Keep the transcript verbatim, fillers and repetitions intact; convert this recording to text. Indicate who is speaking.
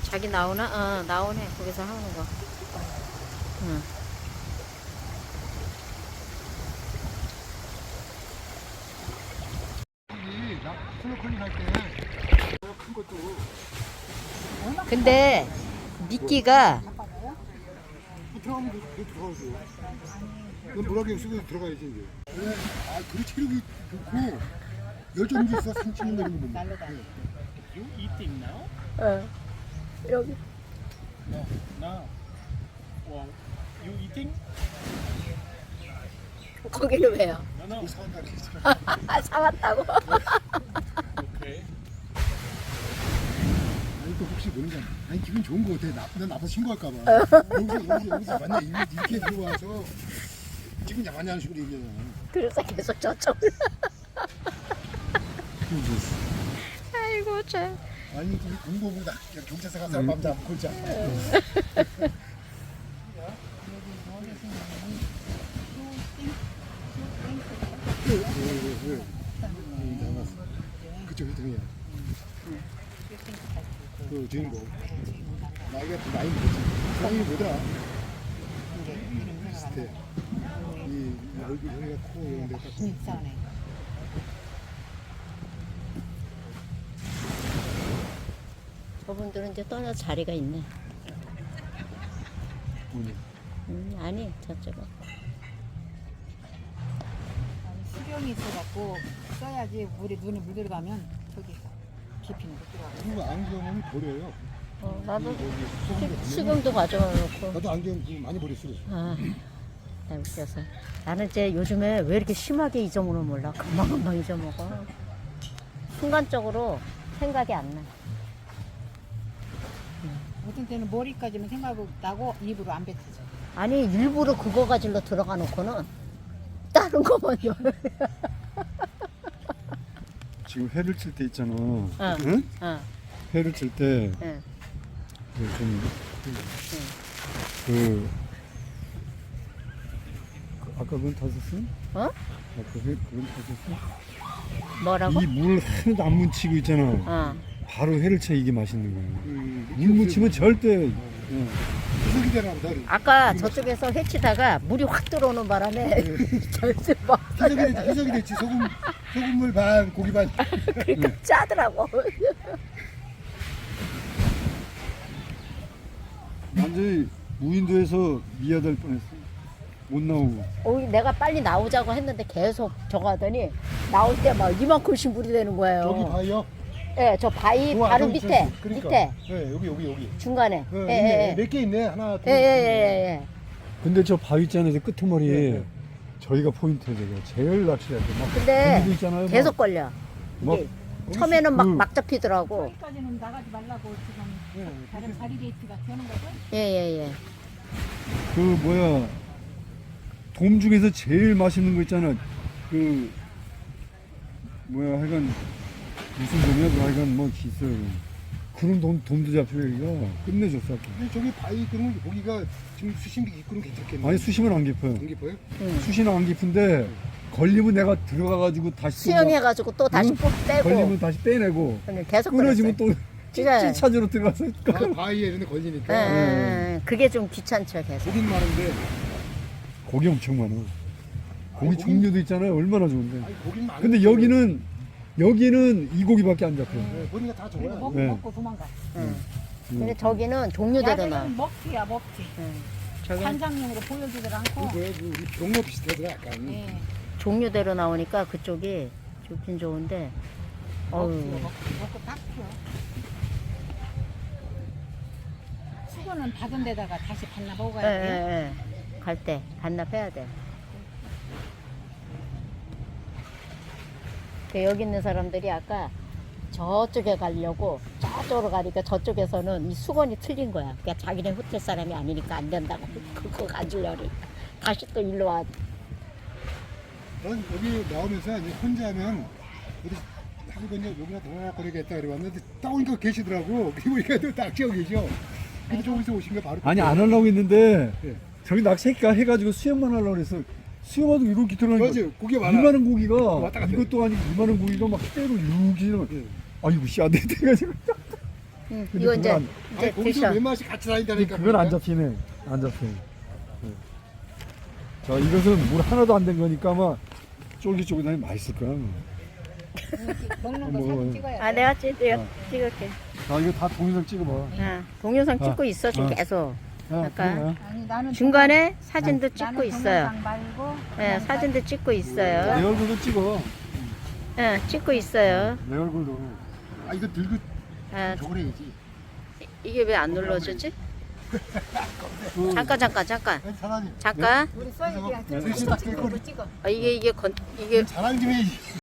Speaker 1: 자기 나오나? 어, 나오네. 거기서 하는 거. 응.
Speaker 2: 여기 나 스노클링 할 때 큰 것도
Speaker 1: 근데 미끼가
Speaker 2: 들어가면 돼, 돼 들어가죠. 넌 물하게 쓰고 들어가야지 이제. 네. 아 그래 체력이 좋고 열정이 있어 상치는 내리는 거 보면. 네.
Speaker 3: You eating now?
Speaker 1: 어. 여기
Speaker 3: No, now. Well, you eating?
Speaker 1: 거기는 왜요?
Speaker 3: No, no.
Speaker 2: 뭐 사한다 그랬잖아.
Speaker 1: 사왔다고?
Speaker 3: Okay.
Speaker 2: 아니 또 혹시 모르잖아. 아니 기분 좋은 거 같아. 나, 난 나빠 신고할까봐. 여기서 여기서 여기서 만약 이렇게 들어와서 지금 야만한 식으로 얘기하잖아.
Speaker 1: 그래서 계속 저쪽으로. 아이고 참.
Speaker 2: 아니 우리 공부보다 경찰서 가서 맘 잡고 골자. 그쪽 희동이야. 그 주인공. 나이가 나이 뭐지? 나이 뭐더라? 비슷해. 이 얼굴 형이가 코 이런 데 딱.
Speaker 4: 인싸네.
Speaker 1: 저분들은 이제 떠나 자리가 있네.
Speaker 2: 뭐냐?
Speaker 1: 음, 아니 저쪽은.
Speaker 4: 수경이 있어갖고 써야지 물에 눈에 물 들어가면 저기 깊이는 못 들어가.
Speaker 2: 그리고 안경은 버려요.
Speaker 1: 어, 나도
Speaker 2: 여기 수성도
Speaker 1: 수- 수경도 가져와 놓고.
Speaker 2: 나도 안경 좀 많이 버렸어.
Speaker 1: 아, 나 웃겨서. 나는 이제 요즘에 왜 이렇게 심하게 잊어먹는 몰라. 금방금방 잊어먹어. 순간적으로 생각이 안 나.
Speaker 4: 어떤 때는 머리까지만 생각하고 나고 입으로 안 뱉어져.
Speaker 1: 아니 일부러 그거 가지러 들어가 놓고는 다른 거만 요
Speaker 5: 지금 회를 칠 때 있잖아.
Speaker 1: 어.
Speaker 5: 응?
Speaker 1: 어,
Speaker 5: 회를 칠 때
Speaker 1: 응.
Speaker 5: 좀 그, 그 아까 그건 다 썼어?
Speaker 1: 어?
Speaker 5: 아까 회 그건 다 썼어?
Speaker 1: 뭐라고?
Speaker 5: 이 물 하나도 안 묻히고 있잖아.
Speaker 1: 어.
Speaker 5: 바로 회를 쳐 이게 맛있는 거야.
Speaker 2: 음,
Speaker 5: 물 묻히면 절대.
Speaker 2: 수석이 되나 보다.
Speaker 1: 아까 저쪽에서 회치다가 물이 확 들어오는 바람에 결승 막
Speaker 2: 희석이 됐지, 희석이 됐지. 소금, 소금물 반, 고기 반.
Speaker 1: 그러니까 짜더라고.
Speaker 5: 완전히 무인도에서 미아될 뻔했어. 못 나오고.
Speaker 1: 어, 내가 빨리 나오자고 했는데 계속 저거 하더니 나올 때 막 이만큼씩 물이 되는 거예요.
Speaker 2: 저기 바위요?
Speaker 1: 예, 저 바위
Speaker 2: 우와,
Speaker 1: 바로
Speaker 2: 저기,
Speaker 1: 밑에,
Speaker 2: 저기, 그러니까.
Speaker 1: 밑에
Speaker 2: 네, 여기, 여기, 여기.
Speaker 1: 중간에.
Speaker 2: 네,
Speaker 1: 예,
Speaker 2: 있네.
Speaker 1: 예, 예.
Speaker 2: 몇 개 있네. 하나, 둘.
Speaker 1: 예, 예, 예, 예.
Speaker 5: 근데 저 바위 있잖아요. 저 끄트머리.
Speaker 2: 네, 네.
Speaker 5: 저희가 포인트예요. 저거. 제일 낚시할 때. 막
Speaker 1: 근데
Speaker 5: 거기도 있잖아요. 막.
Speaker 1: 계속 걸려.
Speaker 5: 막
Speaker 1: 이게 처음에는 막,
Speaker 5: 그-
Speaker 1: 막 잡히더라고.
Speaker 4: 여기까지는 나가지 말라고 지금
Speaker 2: 네,
Speaker 4: 다른 바리게이트가 되는 거죠?
Speaker 1: 예, 예, 예.
Speaker 5: 그 뭐야 돔 중에서 제일 맛있는 거 있잖아. 그 뭐야 하여간 무슨 돔이야? 그 하여간 뭐 있어요. 그런 돔 돔도 잡혀 여기가 끝내줬어. 아까.
Speaker 2: 근데 저기 바위 그런 고기가 지금 수심이 깊고는 괜찮겠네.
Speaker 5: 아니 수심은 안 깊어요.
Speaker 2: 안 깊어요?
Speaker 1: 응.
Speaker 5: 수심은 안 깊은데 걸리면 내가 들어가가지고 다시 또 막
Speaker 1: 수영해가지고 또 다시
Speaker 5: 응?
Speaker 1: 꼭 빼고.
Speaker 5: 걸리면 다시 빼내고
Speaker 1: 그냥 계속
Speaker 5: 끊어지면
Speaker 1: 그랬어요.
Speaker 5: 또
Speaker 1: 진짜.
Speaker 5: 찌 찾으러 들어가서
Speaker 2: 바, 바위에 이런 데
Speaker 1: 예,
Speaker 2: 걸리니까.
Speaker 1: 예, 예. 그게 좀 귀찮죠, 계속.
Speaker 2: 고긴 많은데.
Speaker 5: 고기 엄청 많아. 고기
Speaker 2: 고기-
Speaker 5: 종류도 있잖아요. 얼마나 좋은데.
Speaker 2: 아니, 고긴 많은데.
Speaker 5: 근데 여기는 여기는 이 고기밖에 안 잡혀.
Speaker 2: 네, 보니까 다
Speaker 4: 그리고
Speaker 2: 좋아요.
Speaker 4: 먹고
Speaker 5: 네.
Speaker 4: 먹고 도망가.
Speaker 1: 예.
Speaker 5: 음.
Speaker 1: 근데 저기는 종류대로 나와.
Speaker 4: 야들은 먹기야 먹기.
Speaker 1: 예. 저기는
Speaker 4: 관장용으로 보여주질 않고.
Speaker 2: 그게 그 우리 병모 비슷하더라, 약간.
Speaker 4: 네.
Speaker 1: 종류대로 나오니까 그쪽이 좋긴 좋은데, 어우.
Speaker 4: 먹기요 먹고 먹고 딱 피워. 수건은 받은 데다가 다시 반납
Speaker 1: 예,
Speaker 4: 먹어야
Speaker 1: 예,
Speaker 4: 돼요.
Speaker 1: 예. 갈 때 반납해야 돼. 그 여기 있는 사람들이 아까 저쪽에 가려고 저쪽으로 가니까 저쪽에서는 이 수건이 틀린 거야. 그러니까 자기네 호텔 사람이 아니니까 안 된다고 그거 가지려니 다시 또 일로 와.
Speaker 2: 난 여기 나오면서 이제 혼자 하면 어디 하고 그냥 여기나 돌아거리겠다 그래 왔는데 딱 오니까 계시더라고. 그리고 이렇게 또 낚시하고 계셔. 근데 저기서 오신 거 바로.
Speaker 5: 아니 안 하려고 했는데
Speaker 2: 예.
Speaker 5: 저기 낚시가 해가지고 수영만 하려고 그래서 수영하도 이렇게 들어가니까
Speaker 2: 맞아요. 고기 많아.
Speaker 5: 이만한 고기가
Speaker 2: 왔다 갔다
Speaker 5: 이것도 아니고 이만한 고기가 막 때로 이렇게 지나가.
Speaker 2: 예.
Speaker 5: 아이고 씨 안 돼. 돼가지고
Speaker 1: 응,
Speaker 5: 근데
Speaker 1: 이거 이제
Speaker 5: 그건
Speaker 1: 이제
Speaker 2: 아니, 거기서
Speaker 1: 드셔.
Speaker 2: 몇 마씩 같이 다닌다니까.
Speaker 5: 그건 안
Speaker 2: 보니까.
Speaker 5: 잡히네. 안 잡혀. 네. 자, 이것은 물 하나도 안 된 거니까 아마 쫄깃쫄깃하니 맛있을 거야.
Speaker 4: 먹는 거
Speaker 5: 뭐,
Speaker 4: 사진 찍어야
Speaker 1: 아
Speaker 4: 돼.
Speaker 1: 내가 찍, 내가
Speaker 5: 아.
Speaker 1: 찍을게.
Speaker 5: 자, 이거 다 동영상 찍어봐.
Speaker 1: 아, 동영상
Speaker 5: 아.
Speaker 1: 찍고 있어 지금
Speaker 5: 아.
Speaker 1: 계속.
Speaker 5: 야,
Speaker 1: 아까.
Speaker 5: 그래.
Speaker 4: 아니 나는
Speaker 1: 중간에 사진도
Speaker 4: 동영-
Speaker 1: 찍고
Speaker 4: 나는
Speaker 1: 있어요.
Speaker 4: 동영상 말고
Speaker 1: 예,
Speaker 4: 그냥
Speaker 1: 사진도 찍고
Speaker 5: 내
Speaker 1: 있어요.
Speaker 5: 얼굴도 찍어.
Speaker 1: 예, 찍고 있어요.
Speaker 5: 내 얼굴도.
Speaker 2: 아 이거 들고
Speaker 1: 아,
Speaker 2: 저걸 해야지.
Speaker 1: 이게 왜 안 눌러지지?
Speaker 5: 그,
Speaker 1: 잠깐 잠깐 잠깐
Speaker 2: 아니, 사장님.
Speaker 1: 잠깐.
Speaker 4: 우리 써야지.
Speaker 2: 셋이 다 낄 거를.
Speaker 4: 찍어.
Speaker 1: 아, 이게 이게 건 이게
Speaker 2: 자랑 좀 해야지.